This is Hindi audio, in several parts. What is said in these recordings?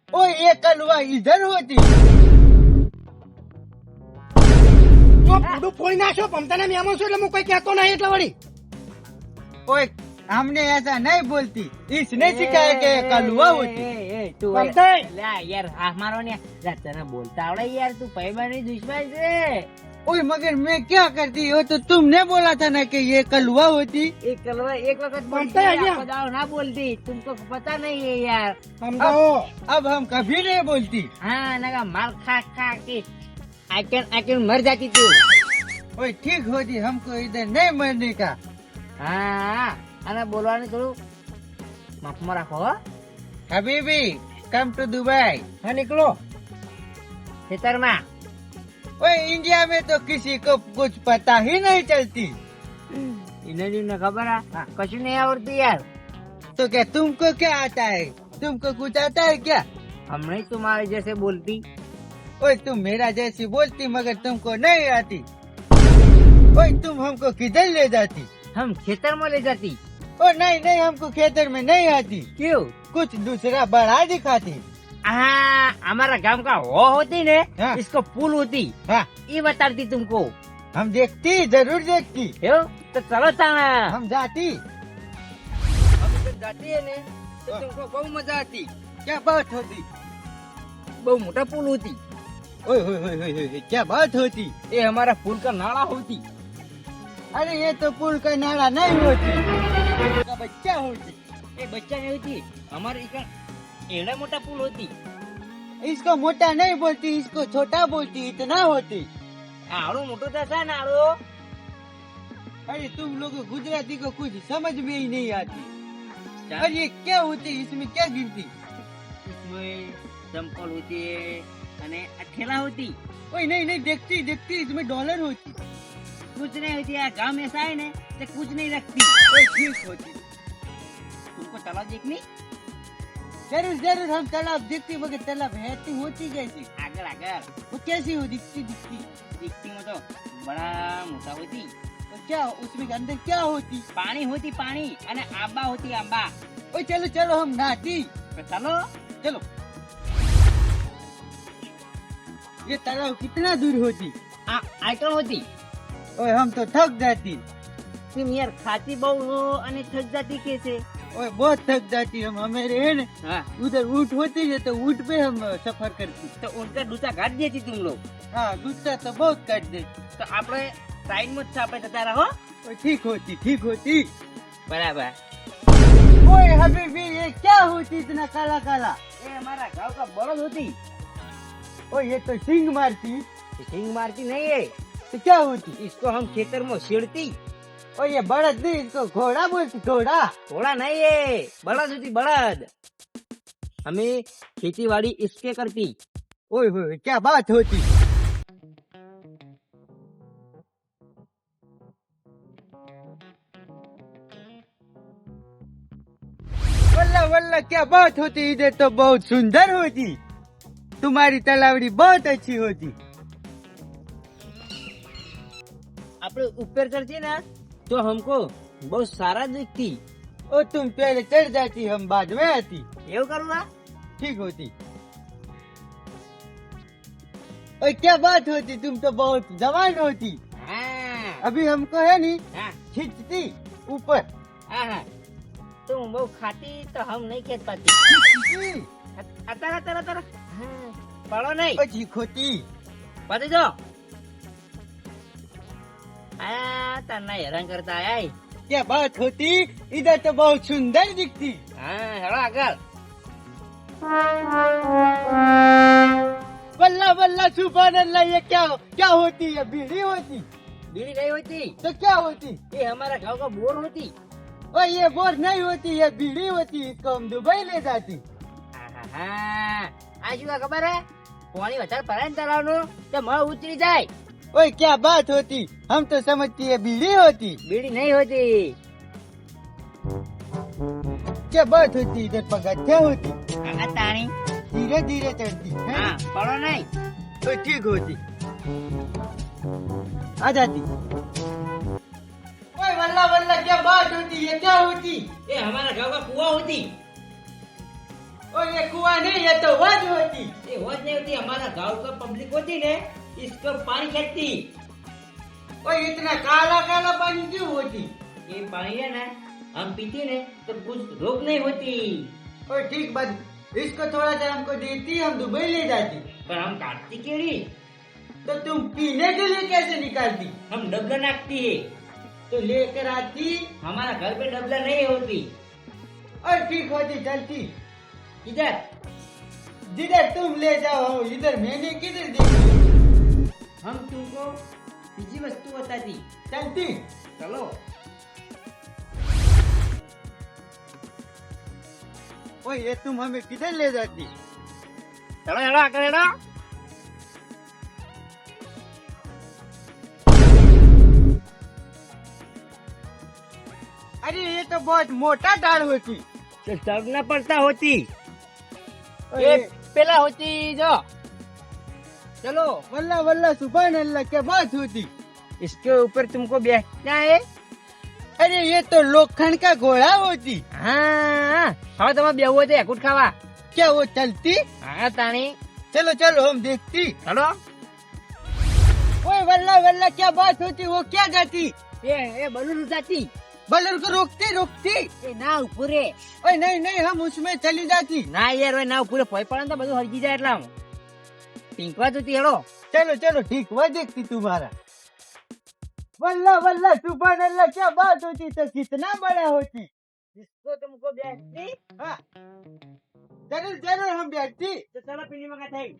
ओ ये कलवा इधर होती। તો પૂડું ફોડી નાખ્યો પમતાના મેમો છો એટલે હું કઈ કહેતો નહીં એટલે વળી ओए हमने ऐसा नहीं बोलती, इसने सिखाया कि ये कलवा होती। તું પમતાઈ યાર હા મારો ને તને બોલતા આવડે યાર તું ભાઈબાની દુશ્મન છે ओए मगर मैं क्या करती, वो तो तुमने बोला था ना कि ये कलवा होती। एक कलवा एक वक्त बोलती बनता है क्या? आपको दाव ना बोलती तुमको पता नहीं है यार સમજાવો अब हम कभी नहीं बोलती। हाँ नगा माल खा खा के आके मर जाती तू ओए ठीक होती, हमको इधर नहीं मरने का। हाँ અને બોલવાનું થોડું માફમાં રાખો હો. हबीबी कम टू दुबई। હા નીકળો ખેતરમાં ओए इंडिया में तो किसी को कुछ पता ही नहीं चलती। એને ખબર આ કશું નહીં આવડતું યાર तो क्या तुमको क्या आता है, तुमको कुछ आता है क्या? हमने तुम्हारे जैसे बोलती ओए तुम मेरा जैसी बोलती मगर तुमको नहीं आती। ओए तुम हमको किधर ले जाती? हम खेतर में ले जाती ओ नहीं नहीं, हमको खेतर में नहीं आती, क्यों कुछ दूसरा बड़ा दिखाती। हाँ हमारा गांव का वो होती ने हाँ। इसको पुल होती हाँ ये बताती तुमको हम देखती, जरूर देखती। यो तो चलो ताना हम जाती, हम इधर जाती है ने तो तुमको बहुत मजा आती। क्या बात होती? बहुत मोटा पुल होती ओए होए होए होए होए, क्या बात होती? ये हमारा पुल का नाला होती अरे ये तो पुल का नाला नहीं होती, पुल का बच्चा होती। ये बच्चा नहीं होती हमारे इधर एड़ा मोटा पुल होती इसको मोटा नहीं बोलती, इसको छोटा बोलती, इतना होती। आड़ो मोटो था ना आड़ो अरे तुम लोग गुजराती को कुछ समझ में ही नहीं आती। अरे ये क्या होती, इसमें क्या गिरती? इसमें चंपल होती है अने ठेला होती ओए नहीं नहीं, देखती देखती, इसमें डॉलर होती। कुछ नहीं होती यार गांव में ऐसा है ना तो कुछ नहीं रखती ओए ठीक होती। तुमको तालाब देखनी जरूर जरूर हम तालाब देखती, मगर तालाब रहती होती कैसी? आगर आगर वो कैसी हो दिखती दिखती? दिखती में तो बड़ा मोटा होती तो क्या उसमें अंदर क्या होती? पानी होती पानी अने आंबा होती आंबा ओए चलो चलो हम नहाती। तो चलो चलो ये तालाब कितना दूर होती? आइटम होती ओए हम तो थक जाती। तुम यार खाती बहु हो अने थक जाती कैसे ओए बहुत थक जाती हम, हमारे है ना हाँ उधर ऊँट होती है तो ऊँट पे हम सफर करती। तो उनका दूसरा काट देती तुम लोग हाँ दूसरा तो बहुत काट दे। तो આપણે સાઈડ માં જ આપણે જતા રહો ओए ठीक होती ठीक होती। बराबर ओए हबीबी ये क्या होती इतना काला काला? ये हमारा गांव का बलद होती ओए ये तो सिंग मारती। ये सिंग मारती नहीं है तो क्या होती? इसको हम खेतर में छेड़ती ओए ये बड़द नहीं, इसको घोड़ा बोलती, घोड़ा। थोड़ा नहीं है बलद होती बलद हमें खेती बाड़ी इसके करती ओए होए क्या बात होती? वल्ला वल्ला क्या बात होती, इधर तो बहुत सुंदर होती, तुम्हारी तलावड़ी बहुत अच्छी होती। આપણે ऊपर करती ना तो हमको बहुत सारा दिखती ओ तुम पहले चढ़ जाती, हम बाद में आती। એવું करूँगा ठीक होती। ओए क्या बात होती, तुम तो बहुत जवान होती, हाँ अभी हमको है नहीं हाँ खींचती ऊपर। हाँ हाँ तुम बहुत खाती तो हम नहीं खेत पाती खींचती, अतर अतर अतर पड़ो नहीं ओ ठीक होती। पति दो आया तना हैरान करता आया ही। क्या बात होती, इधर तो बहुत सुंदर दिखती। हाँ हेलो आगर वल्ला वल्ला सुभान अल्लाह, ये क्या होती है? बीड़ी होती? बीड़ी नहीं होती तो क्या होती? ये हमारा गांव का बोर होती ओ ये बोर नहीं होती, ये बीड़ी होती, इसको हम दुबई ले जाती। આ શું ખબર હે પાણી વધારે ભરાય ને તળાવનું તો મળ ઉતરી જાય ओए क्या बात होती, हम तो समझती है बीड़ी होती। બીડી નહીં હોતી क्या बात होती, इधर पगथिया होती, આ તાણી धीरे धीरे चढ़ती है। હા પડો નહીં तो ठीक होती, आ जाती। ओए वल्ला वल्ला क्या बात होती, ये क्या होती? એ हमारा गांव का कुआं होती और ये कुआं नहीं, ये तो वज होती। ये वज नहीं होती, हमारा गांव का पब्लिक होती ने इसको पानी खेती। और इतना काला काला पानी क्यों होती? ये पानी है ना, हम पीते ने तो कुछ रोग नहीं होती। और ठीक बात, इसको थोड़ा सा हमको देती, हम दुबई ले जाती। पर हम काटती केड़ी, तो तुम पीने के लिए कैसे निकालती? हम डबला नाखती है। तो लेकर आती हमारा घर पे डबला नहीं होती। और ठीक होती चलती। इधर जिधर तुम ले जाओ, इधर मैंने किधर देखी? हम तुमको तीसरी वस्तु बताती। चलती। चलो। ओ ये तुम हमें किधर ले जाती? चलो चलो आकर चलो। अरे ये तो बहुत मोटा डाल होती। तो चढ़ना पड़ता होती। और ये ये पहला होती जो। चलो, वल्ला वल्ला सुभान अल्लाह, क्या बात होती। इसके ऊपर तुमको बैठना है। अरे ये तो लोखंड का घोड़ा होती। हाँ, હવે તમે બેહવું હોય તો એકુટ ખાવા। क्या वो चलती? हाँ ताणी। चलो चलो हम देखती। चलो। ओए वल्ला वल्ला, क्या बात होती, वो क्या जाती? ये बलून जाती। बलून को रोकती रोकती। એ ના ઉપરે। ओए नहीं नहीं, हम उसमें चली जाती। ના યાર, હવે ના ઉપરે ભય પડે ને તો બધું હરગી જાય એટલા ટીંકવા જતી હેડો। चलो चलो ठीक, वह देखती तुम्हारा। वल्ला वल्ला सुभान अल्लाह, क्या बात होती, तो कितना बड़ा होती। इसको तुमको बैठती। हाँ जरूर जरूर हम बैठती। तो चलो पीली मगा થઈ।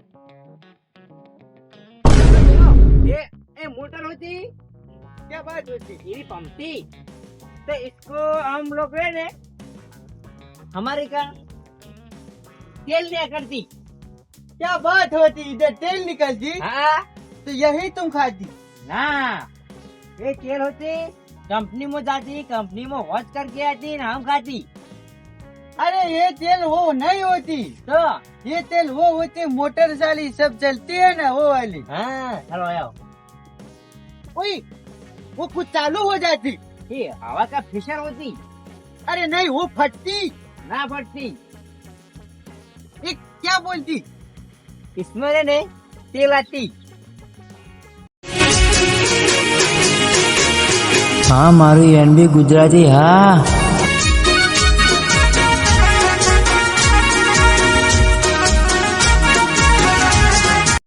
ये मोटर होती। क्या बात होती। ये पंपती। तो इसको हम लोग है ने हमारे का तेल दिया करती। क्या बात होती, इधर तेल निकलती। हाँ तो यही तुम खाती। ना, ये तेल होती कंपनी में जाती, कंपनी में वॉच करके आती ना हम खाती। अरे ये तेल वो नहीं होती, तो ये तेल वो होती, मोटर साली सब चलती है ना, वो वाली। हाँ चलो आओ। ओए वो कुछ चालू हो जाती। ये हवा का फिशर होती। अरे नहीं, वो फटती। ना फटती। ये क्या बोलती? इसमें ने तेल आती। હા મારું એનબી ગુજરાતી હા